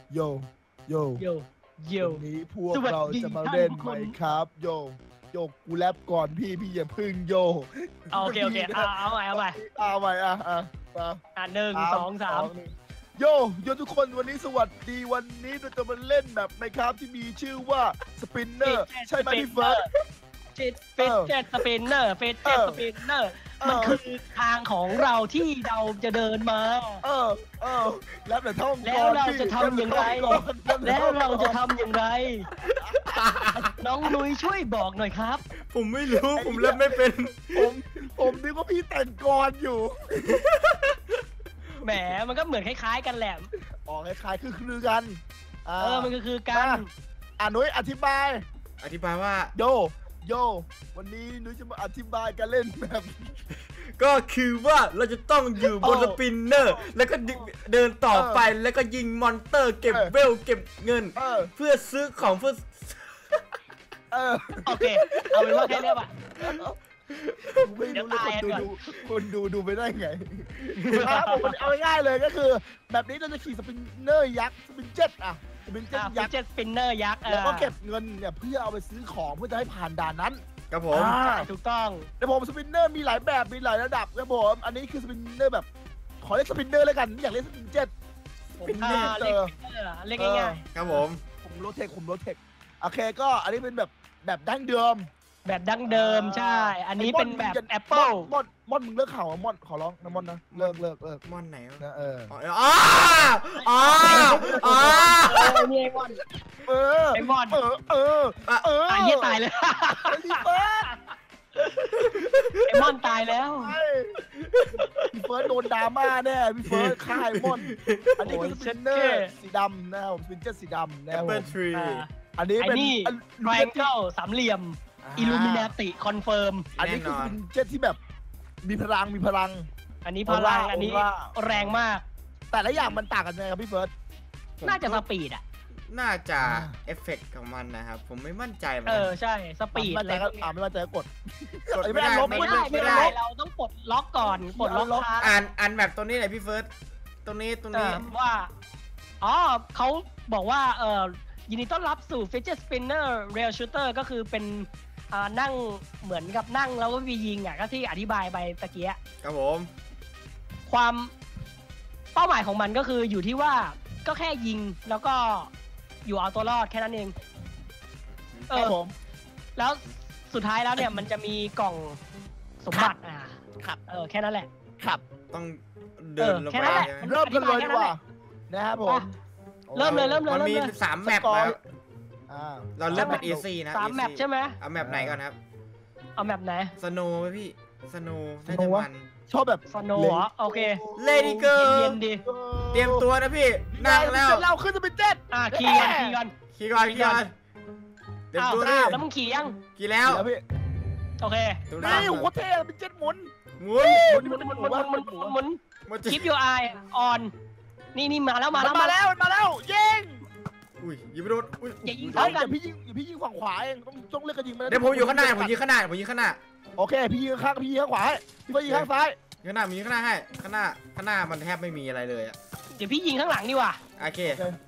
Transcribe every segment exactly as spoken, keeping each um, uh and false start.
โยโยโยโยวันนี้พวกเราจะมาเล่นไหมครับโยโยกูแรปก่อนพี่พี่อย่าพึ่งโยโอเคโอเคเอาเอาใหม่เอาใหม่เอาใหม่อ่ะอ่ะมาอ่ะหนึ่งสองสามโยโยทุกคนวันนี้สวัสดีวันนี้เราจะมาเล่นแบบไหมครับที่มีชื่อว่าสปินเนอร์ใช่ไหมพี่เฟิร์สเจ็ดเฟสเจ็ดสปินเนอร์เฟสเจ็ดสปินเนอร์มันคือทางของเราที่เราจะเดินมาเออเออแล้วแต่ท่องแล้วเราจะทำอย่างไรแล้วเราจะทำอย่างไรน้องนุ้ยช่วยบอกหน่อยครับผมไม่รู้ผมเล่นไม่เป็นผมผมนึกว่าพี่แต่งกรอยู่แหมมันก็เหมือนคล้ายๆกันแหละอ๋อคล้ายๆคือคือกันเออมันก็คือการอ่านุ้ยอธิบายอธิบายว่าโยโยวันนี้นุ้ยจะมาอธิบายการเล่นแบบก็คือว่าเราจะต้องอยู่บนสปินเนอร์แล้วก็เดินต่อไปแล้วก็ยิงมอนเตอร์เก็บเวลเก็บเงินเพื่อซื้อของเพื่อเออโอเคเอาเป็นว่าแค่นี้ป่ะไม่รู้เลยคนดูดูคนดูดูไปได้ไงครับผมเอาง่ายๆเลยก็คือ แบบนี้เราจะขี่สปินเนอร์ยักษ์สปินเจ็ตอะสปินเจ็ตยักษ์เจ็ตสปินเนอร์ยักษ์แล้วก็เก็บเงินเนี่ยเพื่อเอาไปซื้อของเพื่อจะให้ผ่านด่านนั้นครับผมถูกต้องแต่ผมสปินเนอร์มีหลายแบบมีหลายระดับครับผมอันนี้คือสปินเนอร์แบบขอเรียกสปินเนอร์แล้วกันอยากเรียกสปินเจ็ตผมเรียกเรียกง่ายครับผมผมโรเทคผมโรเทคโอเคก็อันนี้เป็นแบบแบบดั้งเดิมๆแบบดั้งเดิมใช่ อันนี้เป็นแบบแอปเปิลมอนมอนมึงเลิกข่าวมอนขอร้องนะมอนนะเลิกเลิกเลิกมอนไหนวะนะเอออ๋ออ๋ออ๋ออ๋อเออนี่ไอมอนเออไอมอนเออเออเออตายเหี้ยตายเลยไอ้พี่เฟิร์สไอมอนตายแล้วพี่เฟิร์สโดนดราม่าแน่พี่เฟิร์สฆ่าไอ้มอนอันนี้คือสปินเนอร์สีดำนะครับผมสปินเจอร์สีดำนะครับผเปิมดทรีอันนี้ไอ้เป็นนี่ลูแรเจงนเกิลสามเหลี่ยมอิลูมินาติคอนเฟิร์มอันนี้คือเป็นเจ็ตที่แบบมีพลังมีพลังอันนี้พลังอันนี้แรงมากแต่ละอย่างมันต่างกันยังไงครับพี่เฟิร์สน่าจะสปีดอ่ะน่าจะเอฟเฟกต์ของมันนะครับผมไม่มั่นใจเหมือนเอกันอใช่สปีดไม่เลมั่นใจยก็อ่าไม่มั่นใจก็กดกดไม่ไม่ได้ได้ลบไม่ไม่ได้ได้ไม่ได้เราต้องปลดล็อกก่อนปลดล็อกล็อกค้างอ่านอ่านแบบตัวนี้หน่อยพี่เฟิร์สตรงนี้ตรงนี้ว่าอ๋อเขาบอกว่าเออยินดีต้อนรับสู่ Fidget Spinner Rail Shooter ก็คือเป็นอ่านั่งเหมือนกับนั่งแล้วก็มียิงอ่ะก็ที่อธิบายไปตะเกียครับผมความเป้าหมายของมันก็คืออยู่ที่ว่าก็แค่ยิงแล้วก็อยู่เอาตัวรอดแค่นั้นเองเอครับอผมแล้วสุดท้ายแล้วเนี่ยมันจะมีกล่องสมบัติอ่าครับเออแค่นั้นแหละครับต้องเดินลงแค่ไปนั้นแหละเริ่มกันเลยดีกว่านะครับผมเริ่มเลยเริ่มเลยมันเริ่มมีเลยสามแมปแล้วอ่าเราเริ่มเป็น easy นะสาม easy แมปใช่ไหมเอาแมปไหนก่อนครับเอาแมปไหนสโนว์ไหมพี่สโนว์น่าจะมันชอบแบบสโนว์เหรอโอเค Lady Girl เย็นๆดีเตรียมตัวนะพี่นั่งแล้วเราขึ้นจะเป็นเจ็ดอ่ะขี่กันขี่กันขี่ก่อนขี่ก่อนเตรียมอ้าวตัวดิอ้าวแล้วมึงขี่ยังขี่แล้วแล้วพี่โอเคตัวนี่นี้โคตรเท่เป็นเจ็ดหมุนหมุนหมุนหมุนหมุนหมุนหมุนหมุนมันจะคลิปยูไอออนนี่นี่มาแล้วมามันแล้วมาแล้วมันมาแล้วยิงอุ้ยยิงไม่โดนอุ้ยอย่ายิงเฮ้เท่ายอกันย่าพี่ยิงอย่าพี่ยิงฝั่งขวาเองต้องต้องเลือกกันยิงมาเดี๋ยวผมอยู่ข้างหน้าผมยิงข้างหน้าผมยิงข้างหน้าโอเคพี่ยิงข้างพี่ยิงข้างขวาให้พี่ก็ยิงข้างซ้ายข้างหน้าผมยิงข้างหน้าให้ข้างหน้าข้างหน้ามันแทบไม่มีอะไรเลยอะเดี๋ยวพี่ยิงข้างหลังดีกว่าโอเค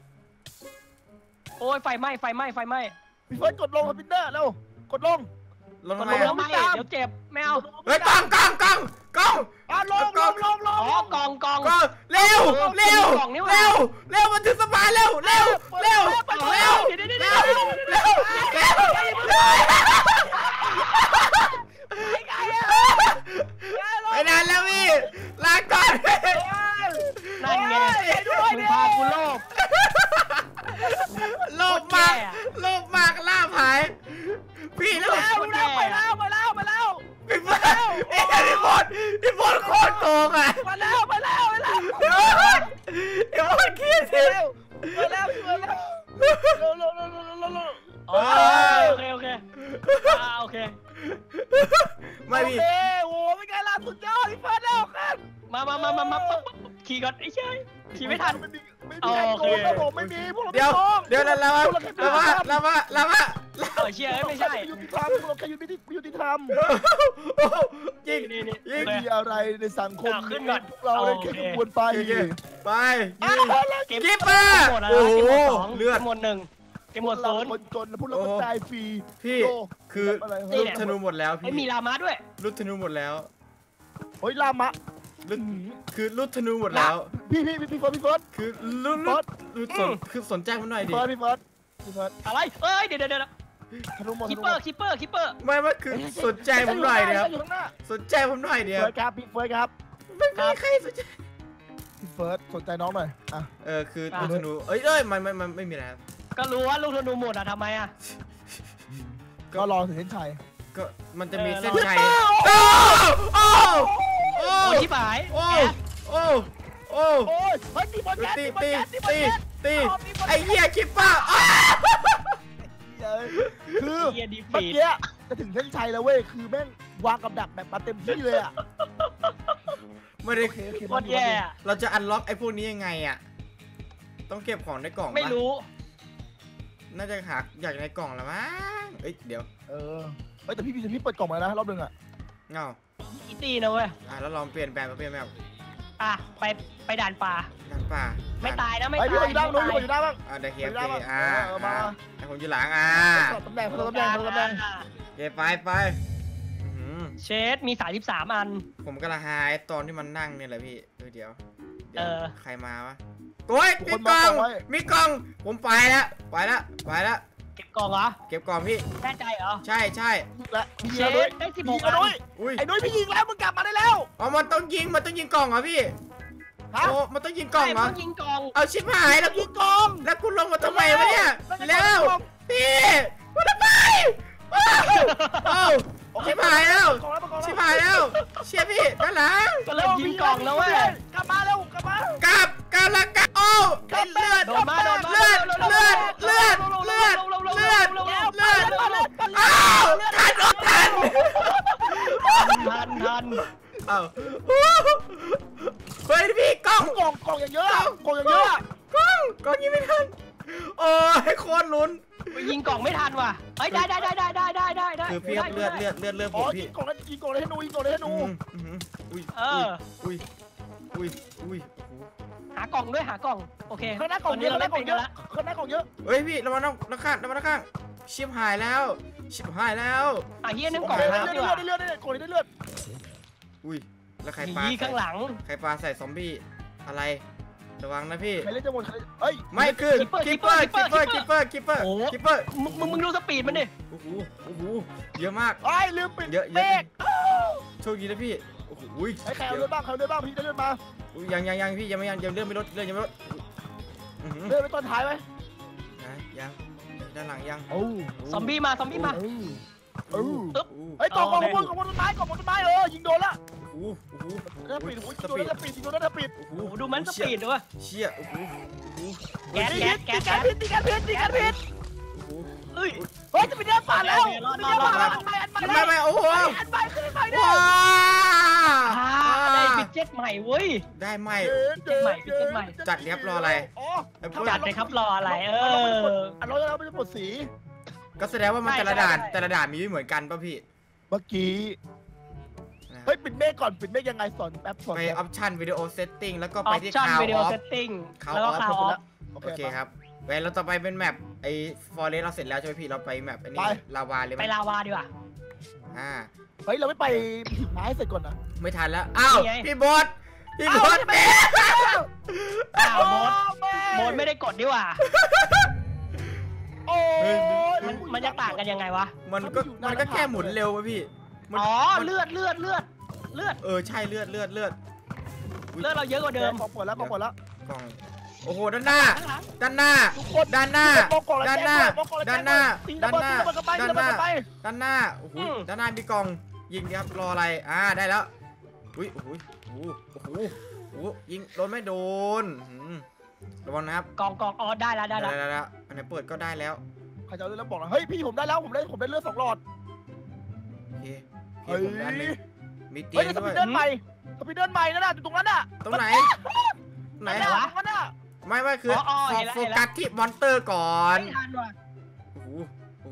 โอ้ยไฟไหม้ไฟไหม้ไฟไหม้พี่เฟิร์สกดลงสปินเนอร์เร็วกดลงลงมันทำไมลงอะไม่เดี๋ยวเจ็บไม่เอาเฮ้ยกล้องกล้องกล้องกล้องอ่ะลงลงลงลอ๋งอกองกองกล้องเร็วเร็วกล่องนี่หว่าเร็วเร็วมันถึงสะพานเร็วเร็วเร็วเร็วเดี๋ยวเดี๋ยวเร็เดี๋ยววเร็วเร็วไปนานแล้วพี่ลาก่อนนั่นไงมึงพากูโลภโลภมากโลภมากล่าผายพี่แล้วแล้วแล้วไปแล้วไปแล้วไปแล้วพี่บอลพี่บอลพี่บอลโคตรโกงอ่ะไปแล้วไปแล้วไปแล้วพี่บอลพี่บอลเครียดไปสิแล้วไปแล้วไปแล้วเร็วเร็วเร็วเร็วเร็วเร็วโอเคโอเคอ่าโอเคไม่พี่โอเคโอ้ไม่ไงล่ะสุดยอดพี่เฟิร์สแล้วกันมามามามามาขี่ก่อนไอ้เชยขี่ไม่ทันไม่มีไม่มีใครโกงครับผมไม่มีพวกเราเดี๋ยวไม่โกงเดี๋ยวแล้วแล้วแล้วว่าแล้วว่าแล้วว่าเออเชียร์ไม่ใช่ยุติธรรมเราแค่ยุติยุติธรรมยิงนี่นี่ยิงมีอะไรในสังคมขึ้นก่อนพวกเราได้แค่ขบวนไปไปยิงเกมกิ๊บมาหมดแล้วโอ้โหเกมหมดสองเลือดเกมหมดหนึ่งเกมหมดศูนย์คนจนพวกเราก็ตายฟรีพี่ คืออะไรลูกธนูหมดแล้วไอ้พี่มีลามาด้วยลูกธนูหมดแล้วเฮ้ยลามะลูกคือลูกธนูหมดแล้วพี่พี่พี่เฟิร์สพี่เฟิร์สคือลูกลูกลูกสนคือสนใจผมหน่อยดิพี่เฟิร์สพี่เฟิร์สพี่เฟิร์สอะไรเอ้ยเดี๋ยวเดี๋ยวเดี๋ยวธนูหมดคิปเปอร์คิปเปอร์คิปเปอร์ไม่ว่าคือสนใจผมหน่อยเดียวอยู่ข้างหน้าสนใจผมหน่อยเดียวเฟิร์สครับพี่เฟิร์สครับไม่มีใครสนใจพี่เฟิร์สสนใจน้องหน่อยอ่ะเออคือลูกธนูเอ้ยเอ้ยมันมันมันไม่มีแล้วก็รู้ว่าลูกธนูหมดอ่ะทำไมอ่ะก็รอถึงเส้นชัยก็มันจะมีเออเส้นเราชัยโอ้โอ้โอ้โอ้ยที่หายโอ้โอ้โอ้โอ้ยเฮ้ยตีบอลแก๊สตีตีบอลตีแก๊สตีบอลตีแก๊สตีไอ้เหี้ยคิปป้าคือเฮียดีเมื่อฟีดกี้จะถึงเส้นชัยแล้วเว้ยคือแม่งวางกับดักแบบมาเต็มที่เลยอ่ะไม่ได้โอเคโอเคโคตรแย่อะเราจะอันล็อกไอ้พวกนี้ยังไงอ่ะต้องเก็บของในกล่องปะไม่รู้น่าจะหาอยากในกล่องละมั้งเอ้ยเดี๋ยวเออเฮ้ยแต่พี่พี่พี่เปิดกล่องมาแล้วนะรอบนึงอ่ะเงาอีตี้นะเว้ยอ่ะแล้วลองเปลี่ยนแปลงไปเปลี่ยนแบบอ่ะไปไปด่านป่าด้านป่าไม่ตายนะไม่ไอตายพี่คนอยู่ด้านนู้นไม่พี่คนอยู่ด้านบ้างอ่าเดี๋ยวเคลียร์ไปได้ไปปะอ่าเออมาอ่าไอ้ผมอยู่หลังอ่าสลับตำแหน่งสลับตำแหน่งสลับตำแหน่งโอเคไปไปอื้อหือเชดมีสามสิบสามอันผมกำลังหาไอ้ตอนที่มันนั่งเนี่ยแหละพี่เออเดี๋ยวเดี๋ยวเออใครมาวะโอ้ยมีกล่องมีกล่องผมไปแล้วไปแล้วไปแล้วเก็บกล่องเหรอเก็บกล่องพี่แน่ใจเหรอใช่ใช่และพี่เชยิงแล้วด้วยดได้สิบหพี่กยิงแล้วด้วยอุ้ยไอ้นุ้ยพี่ยิงแล้วมึงกลับมาได้แล้วอ๋อมันต้องยิงมันต้องยิงกล่องเหรอพี่ฮะโอ้มันต้องยิงกล่องเหรอใช่ต้ยิงกล่องเอาชิบหายแล้วกูยิงกล่องแล้วกูลงมาทำไมวะเนี่ยแล้วจะเร็วยิงกล่องพี่กูทำไมอ้าวอ้าวชิบหายแล้วกล่องแล้วกล่องแล้วชิบหายแล้วเชี่ยพี่ด้านหลังก็เริ่มยิงกล่องแล้วเว้ยกลับมาเร็วกลับมากลับกลับแล้วกลับโอ้ไอ้เลือดโดนมาโดนมาเลือดเลือดเลือดเลือดเลือดเลือดอ้าวทันอดทันทันทันอ้าวเฮ้ยพี่กล้องกล่องกล่องอย่างเยอะอะกล่องอย่างเยอะอะกล้องกล้องยิงไม่ทันโอ้ยโคตรลุ้นยิงกล่องไม่ทันว่ะเฮ้ยได้ได้ได้ได้ได้ได้ได้ได้คือพี่ครับเลือดเลือดเลือดเลือดผอ๋อมยิพี่งกล่องแล้วยิงกล่องเลยให้หนูยิงกล่องเลยให้หนูอืมอืมอุ้ยเอออุ้ยอุ้ยอุ้ยโอ้โหหากล่องด้วยหากล่องโอเคข้างหน้ากล่องเยอะข้างหน้ากล่องเยอะข้างหน้ากล่องเยอะเฮ้ยพี่ระวังน้ำน้ำข้างระวังน้ำข้างชิบหายแล้วชิบหายแล้วอ่ะเฮียนึงโอกล่องเคได้น้ำดีเลืกอดว่าได้เลือดได้เลือดกล่องนี้ได้เลือดอุ้ยแล้วใครปายีข้างหลังใครปาใส่ซอมบี้อะไรระวังนะพี่ใครเล่นจะหมดใครเอ้ยไม่คือ Keeper คิปเปอร์คิปเปอร์คิปเปอร์คิปเปอร์โอ้โหคิปเปอร์มึงมึงมึงดูสปีดมันดิโอ้โหโอ้โหเยอะมากไอ้ลืมปิดเยอะเยเมอะฆโชคดีนะพี่โอ้โหอุ้ยไอ้ใครเอาเลือดบ้างใครเอาเลือดบ้างพี่ได้เลือดมาอุ้ยยังยังยังพี่ยังไม่ยังยังเลื่อนไม่ลดเลื่อนยังไม่ลดอื้อหือเลือดไปตอนท้ายไหมนะยังด้านหลังยังโอ้ซอมบี้มาซอมบี้มาโอ้โอ้โหอึ๊บโอ้โหไอ้ยกล่องกล่องบนกล่องบนต้นไม้กล่องบนต้นไม้เออยิงโดนละโอ้โหโอ้โหน่าปิดโอ้ยสยิงโดนปีดน่าปิดยิงโดนน่าปิดโอ้โหโอ้โหดูมันสปีดด้วยเชี่ยโอ้โหโอ้โหแก๊สแก๊สแก๊สตีกันพิษตีกันพิษตีกันพิษโอ้โหเอ้ยเฮ้ยจะไปเดินป่าแล้วรอดจะรอไปดเดินรอป่าดแล้วอันใหม่อันใหม่ไม่ไม่โอ้โหอันใหม่ขึ้นใหม่ได้ว้าอ่าได้ฟิตเจ็ตใหม่เว้ยได้ไหมใหม่พิเศษใหม่จัดเรียบรออะไรอ๋อไอ้พวกจัดเลยครับรออะไรเอออันเราเราไม่ได้ปลดสีก็แสดงว่ามันใช่แต่ละด่านใช่แต่ละด่านมีไม่เหมือนกันป่ะพี่เมื่อกี้นะเฮ้ยปิดเมฆก่อนปิดเมฆยังไงสอนแป๊บสอนไปอแป๊บอปชั่นวิดีโอเซตติ้งแล้วก็อไปอปที่ชั่นคาววิดีอโออฟเซตติ้ง Call แล้วก็ off คาวออฟโอโอเคเคครับเว้ยเราต่อไปเป็นแมปไอ้ฟอเรสเราเสร็จแล้วใช่ไหมพี่เราไปแมปอันนี้ไปลาวาเลยไหมไปลาวาดีกว่าอ่าเฮ้ยเราไม่ไปถึงไม้เสร็จก่อนนะไม่ทันแล้วอ้าวนี่ไงพี่บอสพี่บอสแม่อ้าวโบสโบสไม่ได้กดดีกว่าโอ้ยมันมันจะต่างกันยังไงวะมันก็มันก็แค่หมุนเร็วป่ะพี่มันอ๋อมันเลือดเลือดเลือดเลือดเออใช่เลือดเลือดเลือดอุ๊ยเลือดเราเยอะกว่าเดิมกองปวดแล้วกองปวดแล้วกล่องโอ้โหด้านหน้าข้างหลังด้านหน้าทุกคนด้านหน้ามองกล่องแล้วด้านหน้าแจ้งด้วยมองกล่องแล้วด้านหน้าตีด้าระนเบิดหน้าตีระเบิดกันไปตีด้านระหเบิดน้ากันไปด้านหน้าโอ้โหด้านหน้ามีกล่องยิงดิครับรออะไรอ่าได้แล้วอุ้ยโอ้โหโอ้โหโอ้โหโอ้โหยิงโดนไม่โดนอืมระวังนะครับกองกองอ๋อได้แล้วได้ได้แล้วแล้วได้แล้วอันไหนเปิดก็ได้แล้วใครจะเอาเลือดแล้วบอกนะเฮ้ยพี่ผมได้แล้วผมได้ผมได้เลือดสองหลอดโอเคโอเคเฮ้ยผมด้านหนึงมีเตีเฮ้ยยงสด้ปีวยดเดินใหม่สปีดเดินใหม่นั่นน่ะอยู่ตรงนั้นน่ะตรงไหนไหนนั่นน่ะตรงนั้นน่ะไม่ไม่คืออออ๋อเห็นแล้วโฟเห็นแล้วกัสที่มอนเตอร์ก่อนไม่ทันว่ะโอ้โหโอ้โห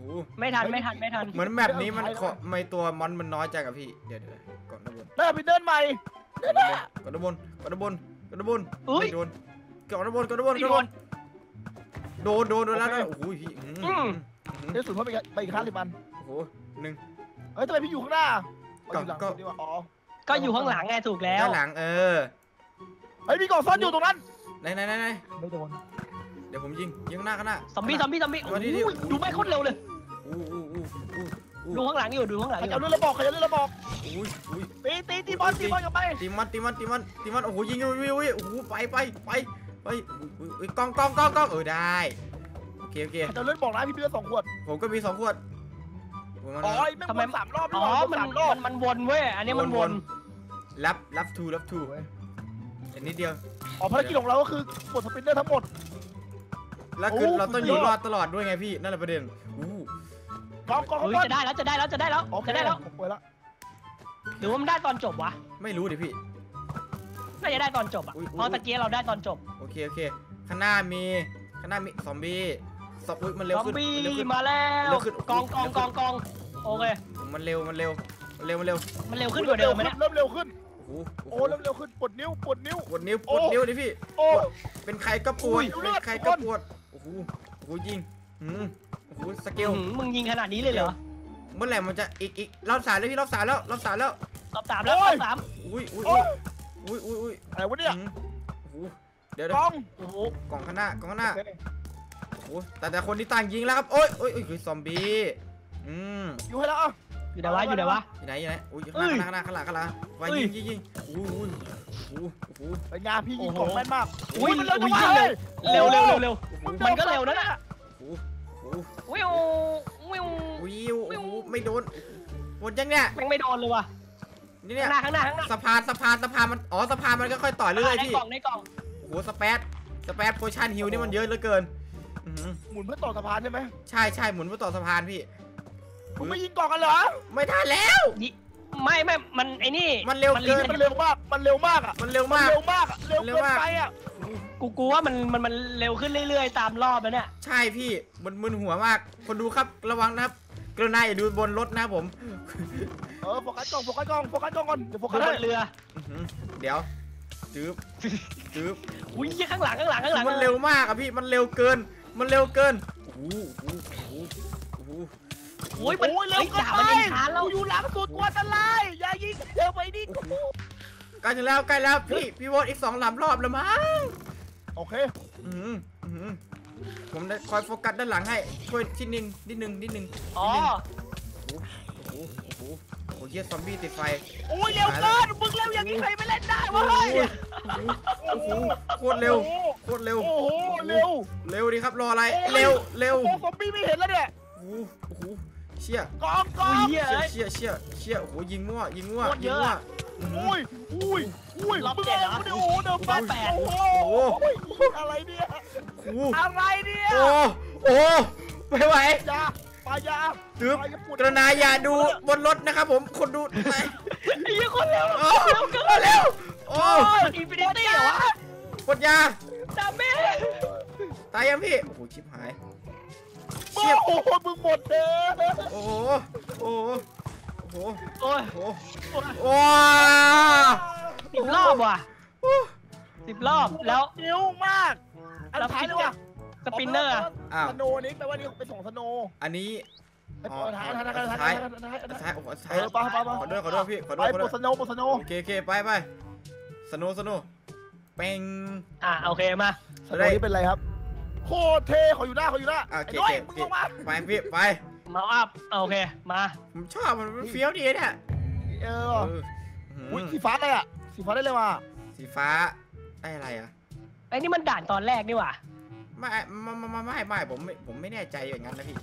ไม่ทันไม่ทันไม่ทันเหมือนแมปนี้มันขอไม่ตัวมอนมันน้อยจังอะพี่เดี๋ยวเดี๋ยวก่อนด้านบนได้ไปเดินใหม่เดินหน้าก่อนด้านบนก่อนด้านบนก่อนด้านบนอุ้ยไม่โดนก่อนด้านบนก่อนด้านบนไม่ก่อนโดด้านบนนโดนโดนโดนแล้วนะโอ้โหพี่อืมอืมอืมเดี๋ยวสุดเพิ่มไปอีกไปอีกห้าสิบอันโอ้โหหนึ่งเฮ้ยทำไมพี่อยู่ข้างหน้าก็อยู่หลังก็ดีกว่าอ๋อก็อยู่ข้างหลังไงถูกแล้วด้านหลังเออเฮ้ยมีกล่องซ่อนอยู่ตรงนั้นไหนไหนไหนไหนไม่โดนเดี๋ยวผมยิงยิงข้างหน้าข้างหน้าซอมบี้ซอมบี้ซอมบี้มาดิดิโอ้ยดูไม่โคตรเร็วเลยอู้อู้อู้อู้อู้ดูข้างหลังอยู่ดูข้างหลัง Dạ, อใครยู่จะเอาเรื่องระบอกใครจะเอาเรื่องระบอกอุ้ยอุ้ยตีตีตีบอลตีบอลกลับไปตีมันตีมันตีมันตีมันโอ้โหยิงวิววิววิวโอ้โหไปไปไปไปอุ้ยอุ้ยกล้องกล้องกล้องกล้องเออได้โอเคโอเคใครจะเอาเรื่องบอกนะพี่เบียร์สองขวดผมก็มีสองขวดอ๋อแม่งวนสามรอบอ๋อมันสามรอบมันมันวนเว้ยอันนี้มันวนรับรับทูรับทูอันนี้เดียวอ๋อภารกิจของเราก็คือกดสปินเนอร์ทั้งหมดแล้วคือโอ้เราต้องอยู่สุดยรออดดตลอดด้วยไงพี่นั่นแหละประเด็นอู้กองกองเฮ้ยกองจะได้แล้วจะได้แล้วจะได้แล้วโอเคจะได้แล้วผมเปิดแล้วหรือว่ามันได้ตอนจบวะไม่รู้ดิพี่น่าจะได้ตอนจบอ่ะอุ๊ยอุ๊ยเพราะตะกี้เราได้ตอนจบโอเคโอเคข้างหน้ามีข้างหน้ามีซอมบี้ซอมอุ้ยมันเร็วซอมขึ้นบี้มันเร็วขึ้นมาแล้วเร็วขึ้นกองกองกองกองโอเคมันเร็วมันเร็วมันเร็วมันเร็วมันเร็วขึ้นกว่าเดิมไหมเนี่ยเริ่มเร็วขึ้นโอ้โหโอ้เริ่มเร็วขึ้นปวดนิ้วปวดนิ้วปวดนิ้วปโอ้วดนิ้วดิพี่โอ้เป็นใครก็ปวอุ้ดยเป็นเลือดใครก็คนปวดโอ้โหโอ้โหยิงอืมโอ้โหสเกลอื้อหือมึงยิงขนาดนี้เลยเหรอเมื่อไหร่มันจะอีกอีกรอบสามแล้วพี่รอบสามแล้วรอบสามแล้วรอบสามแล้วรอบสามอุ้ยอุ้ยโอ้อุ้ยยอุ้ยอุ้ยอะไรวะเนี่ยอืมโอ้โหเดี๋ยวกเดี๋ยวองโอ้โหกล่องข้างหน้ากล่องข้างหน้าโอเคโอ้โหแต่แต่คนที่ต่างยิงแล้วครับโอ้ยโอ้ยโอ้ยคือซอมบี้อืมอยู่ให้แล้วอ่ะอยู่ไหนวะอยู่ไหนวะอยู่ไหนอยู่ไหนอุ้ยเอ้ยข้างหน้าข้างหน้าข้างหน้าข้างหน้าไปเอ้ยยิงยิงยิงโอ้โหโอ้โหโอ้โหไปงานพี่ยิงโอ้กโหล่องแม่นมากอุ้ยมันเร็วจังอุ้วะยเร็วเร็วเร็วเร็วเร็วโอ้โหมันก็เร็วนะน่ะโอ้โหวิววิววิวโอ้โหไม่โดนหมดยังเนี่ยแม่งไม่โดนเลยว่ะนี่เนี่ยข้างหน้าข้างหน้าข้างหน้าสะพานสะพานสะพานมันอ๋อสะพานมันก็ค่อยต่อเรื่อยๆในพี่กล่องในกล่องโอ้โหสเปซสเปซโพชั่นฮิลนี่มันเยอะเหลือเกินอื้อหือหมุนเพื่อต่อสะพานใช่ไหมใช่ใช่หมุนเพื่อต่อสะพานพี่คุณไม่ยิงกล่องกันเหรอไม่ทันแล้วยิไม่ไม่มันไอ้นี่มันเร็วเกินมันเร็วมากมันเร็วมากอ่ะมันเร็วมันมากเร็วมากอะเร็วเร็วเกินมากไปอ่ะกูกูว่ามันมันมันเร็วขึ้นเรื่อยๆตามรอบแล้วเนี่ยใช่พี่มันมึนหัวมาก คนดูครับระวังนะครับกรุณาอย่าดูบนรถนะครับผมเออโฟกัสกล้องโฟกัสกล้องโฟกัสกล้องก่อนเดี๋ยวโฟกัดูสบให้นเรืออื้อหือเดี๋ยวจืบจืบอุ้ยข้างหลังข้างหลังข้างหลังมันเร็วมากอะพี่มันเร็วเกิน มันเร็วเกินโอ้โหโอ้โหโอ้โหโอ้ยมันโอ้ยเร็วเฮ้ยเกินด่าไปมันยิงช้าแล้วกูอยู่หลังสุดกลัวอันตรายอย่ายิงเร็วไปดิโอ้โหใกล้ถึงแล้วใกล้แล้วพี่พี่โวตอีกสองลำรอบแล้วมั้งโอเคอื้อหืออื้อหือผมได้คอยโฟกัสด้านหลังให้ช่วยทีนึงนิดนึงนิดนึงอ๋อโอ้โหโอ้โหโอ้โหเฮียซอมบี้ติดไฟโอ้ยเร็วเกินมึงเร็วอย่างนี้ใครไม่เล่นได้วะโอ้เฮ้ยโหโอ้โหโคตรเร็วโคตรเร็วโอ้โหเร็วเร็วดีครับรออะไรโอ้ยเร็วเร็วโอ้ซอมบี้ไม่เห็นแล้วเนี่ยโอ้โหโอ้โหเชี่ยกองกองอุ้ยเฮ้ยเชี่ยเชี่ยเชี่ยโอ้โหยิงมั่วยิงมั่วโคตรยิเยงอะมั่วอะอื้อหืออุ้ยอุ้ยอุ้ยรอบเจ็ดเหรอมึงเอาโอ้โหเดินแปดรอบแปดโอ้โหโอ้โหอะไรเนี่ยโอ้โหอะไรเนี่ยโอ้โอ้ไม่ไหวยาปลายาตึ๊บปลายาปวดกระนาอย่าดูบนรถนะครับผมคนดูไปไอ้ยี่คนเร็วโอ้เร็วเร็วโอ้มันอินฟินิตี้เหรอวะกดยาดาเมจตายยังพี่โอ้โหชิบหายโอ้เชี่ยโหมึงหมดเลยโอ้โหโอ้โหโอ้โหโอ้ยโอ้โหโอ้ยโอ้สิบรอบว่ะสิบรอบแล้วนิ้วมากอันแล้วท้ายเลยว่ะสปินเนอร์อะอ้าวสโนนี้แปลว่านี่เป็นสองสโนอันนี้ไอ้ปอท้ายท้ายท้ายท้ายท้ายท้ายท้ายโอ้โหเอท้ายอไปไปไปขอด้วยขอด้วยพี่ขอไปด้วยขอปด้ววดยสโนปวดสโนโอเคโอเคไปไปสโนสโนเป่งอ่ะโอเคมาสโนนี้เป็นไรครับโคตรเท่ขออยู่หน้าขออยู่หน้าโอไอ้เคน้อยโอมึงเคลงมาไปพี่ไปเมาอัพโอเคมาผมชอบมันเฟี้ยวดีเนี่ยเอเออออุ้ยสีฟ้าอะไรอ่ะสีฟ้าได้เลยว่ะสีฟ้าได้อะไรอ่ะไอ้นี่มันด่านตอนแรกนี่หว่าไม่ไม่ไม่ไม่ไม่ผมไม่ผมไม่แน่ใจอย่างนั้นนะพี่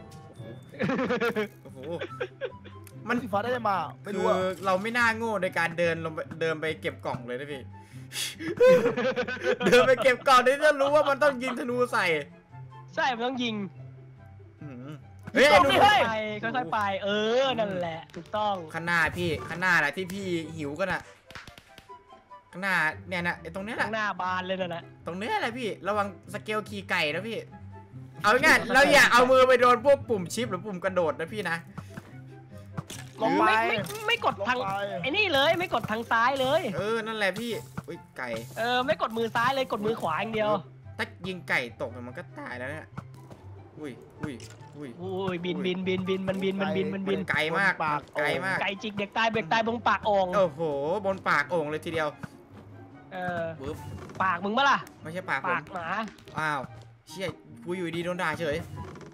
โอ้โหมันสีฟ้าได้เลยมาไม่คืรู้ออ่ะเราไม่น่าโง่ในการเดินลงไปเดินไปเก็บกล่องเลยนะพี่ เดินไปเก็บกล่องนี่จะรู้ว่ามันต้องยิงธนูใส่ใช่มันต้องยิงอื้อหือเฮ้ยดูค่อยๆไปค่อยๆไป เออนั่นแหละถูกต้องข้างหน้าพี่ข้างหน้าแหละที่พี่หิวกันอะข้างหน้าเนี่ยนะไอ้ตรงเนี้ยแหข้าละงหน้าบานเลยนั่นแหละตรงเนี้ยแหละพี่ระวังสเกลขี่ไก่นะพี่เอาง่ายเราอย่าเอามือไปโดนพวกปุ่มชิปหรือปุ่มกระโดดนะพี่นะลงไปไม่ไม่ไม่กดทางไอ้นี่เลยไม่กดทางซ้ายเลยเออนั่นแหละพี่อุ้ยไก่เออไม่กดมือซ้ายเลยกดมือขวาอย่างเดียวถ้ายิงไก่ตกมันก็ตายแล้วเนี่ยอุ้ยอุ้ยอุ้ยอุ้ยบินบินบินบินมันบินมันบินมันบินไกลมากไกลมากไก่จิกเด็กตายเด็กตายบงปากโอ่งโอ้โหบนปากโอ่งเลยทีเดียวเออปึ๊บปากมึงปะล่ะไม่ใช่ปากผปาม กหมาอ้าวเชี่ยกูอยู่ดีโดนด่าเฉย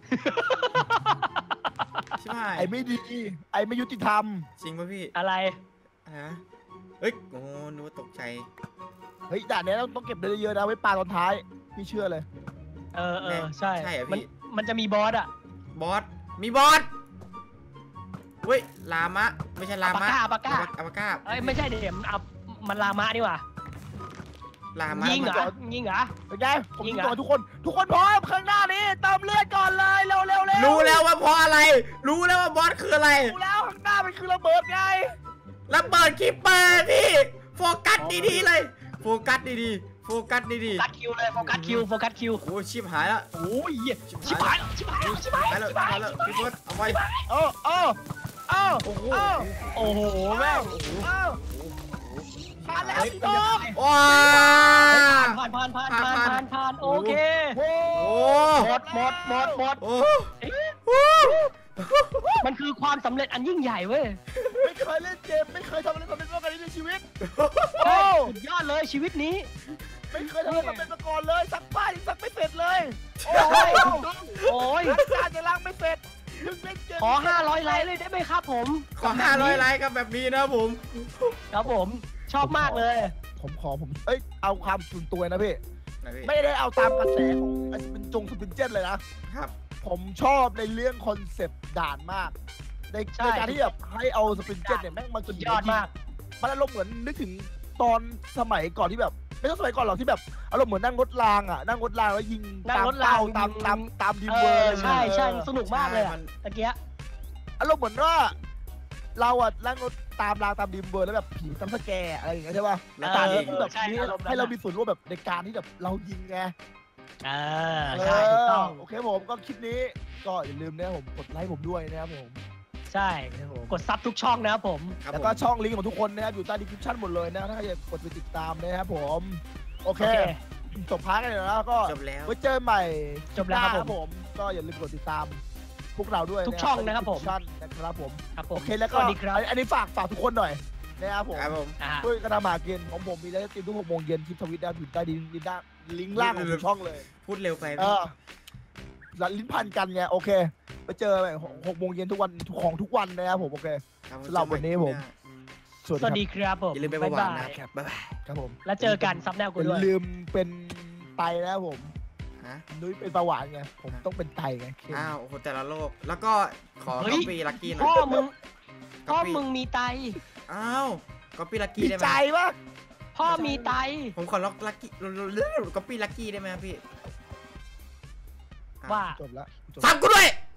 ใช่ไหมไอ้ไม่ดีไอ้ไม่ยุติธรรมจริงป่ะพี่อะไรฮะเฮ้ยโอ้นึกว่าตกใจเฮ้ยด่านนี้ต้องต้องเก็บเยอะๆนะไว้ปลาตอนท้ายพี่เชื่อเลยเออเออใช่ใช่เหรอมันพี่มันจะมีบอสอะบอสมีบอสเว้ยลามะไม่ใช่ลามะอัปปาก้าอัปปาก้าเอ้ยไม่ใช่เดี๋ยวมันเอามันลามะนี่หว่าลามะยิงเหรจออดยิงเหรอเป็นไงผมยิยิงงอะก่อนทุกคน ทุกคนพร้อมข้างหน้านี้เติมเลือดก่อนเลยเร็วเร็วเร็วรู้แล้วว่าเพราะอะไร รู้แล้วว่าบอสคืออะไรรู้แล้วข้างหน้ามันคือระเบิดไงระเบิดคิปเปอร์พี่โฟกัสดีๆเลย โฟกัสดีๆโฟกัสดีโฟกัสคิวเลยโฟกัสคิวโฟกัสคิวๆโอ้ชิบหายแล้วโอ้ยชิบหายแล้วชิบหายแล้วชิบหายหายแล้แล้ว วชิบหายหายแล้วพี่เฟิร์สเอาไว้เออเออเออโอ้โหเออโอ้โหแม่งเออมาแล้วพี่น้องว้าผ่านผ่านผ่านผ่านผ่านผ่านโอเคโอ้โอ้หมดหมดหมดหมดโอ้เอ๊ะมันคือความสำเร็จอันยิ่งใหญ่เว้ยไม่เคยเล่นเกมไม่เคยทำอะไรสำเร็จมาก่อนในชีวิตใช่โอ้สุดยอดเลยชีวิตนี้ไม่เคยทำอะไรสำเร็จมาก่อนเลยสักป้ายยังสักไม่เสร็จเลย โอ้โอ้ยยโอ้ยล้างจานจะล้างไม่เสร็จยังเล่นเกมขอห้าร้อยไลค์เลยได้ไหมครับผมขอห้าร้อยไลค์กับแบบนี้นะผมครับผมชอบมากเลยผมขอผมเอ้ยเอาความส่วนตัวนะพี่นะพี่ไม่ได้เอาตามกระแสของไอ้เป็นจงสปินเจนเลยนะครับผมชอบในเรื่องคอนเซปต์ด่านมาก ในใช่ในการที่แบบให้เอาสปินเจนเนี่ยแม่งมาสุดขี่ยอดมากมันอารมณ์เหมือนนึกถึงตอนสมัยก่อนที่แบบไม่ใช่สมัยก่อนหรอกที่แบบอารมณ์เหมือนนั่งรถรางอ่ะนั่งรถรางแล้วยิงนั่งตามรถรางเป้าตามตามตามดีเอเวออร์ใช่ใช่เออสนุกมากเลยอะใช่มันตะเกียะอารมณ์เหมือนว่า เราอ่ะนั่งรถตามรางตามดีเวอร์แล้วแบบผีตามสแกร์อะไรอย่างเงี้ยใช่ป่ะแล้วตาตามนี้ยิงแบบใช่นี้อารมณ์นั้นให้เรามีส่วนร่วมแบบในการที่แบบเรายิงไงเออใช่ถูกต้องโอเคผมก็คลิปนี้ก็อย่าลืมนะครับผมกดไลค์ผมด้วยนะครับผมใช่กดซับทุกช่องนะครับผมครับแล้วผมก็ช่องลิงก์ของทุกคนนะครับอยู่ใต้ดีคริปชั่นหมดเลยนะถ้าใครอยากกดไปติดตามนะครับผมโอเคโอเคจบพาร์ทกันเลยแล้วก็จบแล้วไว้เจอกันใหม่จบแล้วครับหน้าผมก็อย่าลืมกดติดตามพวกเราด้วยทุกช่องนะครับผมช่องนะครับผมครับผโอมเคแล้วก็สวัสดีครับอันอันนี้ฝากฝากทุกคนหน่อยนะครับผมครับผมอ่าด้วยกระดามาเกณฑ์ของผมมีไลฟ์สตรีมทุกหกโมงเย็นคลิปทวิตได้อยู่ใต้ดินลิงก์ด้านลิงก์ล่างของทุกช่องเลยพูดเร็วไปเออแล้วลิ้นพันกันไงโอเคไปเจอกันหกโมงเย็นทุกวันของทุกวันนะครับผมโอเคครับสำหรับวันนี้ผม สวัสสวัสดีดีครับผมอย่าลืมไปประวัตินะครับ บ๊ายบายครับผมแล้วเจอกันซับแนวกูอย่าด้วยลืมเป็นไตนะครับผมฮะนุ้ยเป็นประหวานไงผมต้องเป็นไตไงเค็มอ้าวโอ้โหแต่ละโลก แล้วก็ขอเฮ้ก๊ยอปปี้ลักกี้หน่พ่ออย มึงพ่อก๊อปปี้มึงมีไตอ้าวก๊อปปี้ลักกี้มีได้ไหมใจปะพ่อมีไตผมขอล็อกลักกี้ก๊อปปี้ลักกี้ได้ไหมครับพี่ว่าจบแล้วจบฟังกูด้วย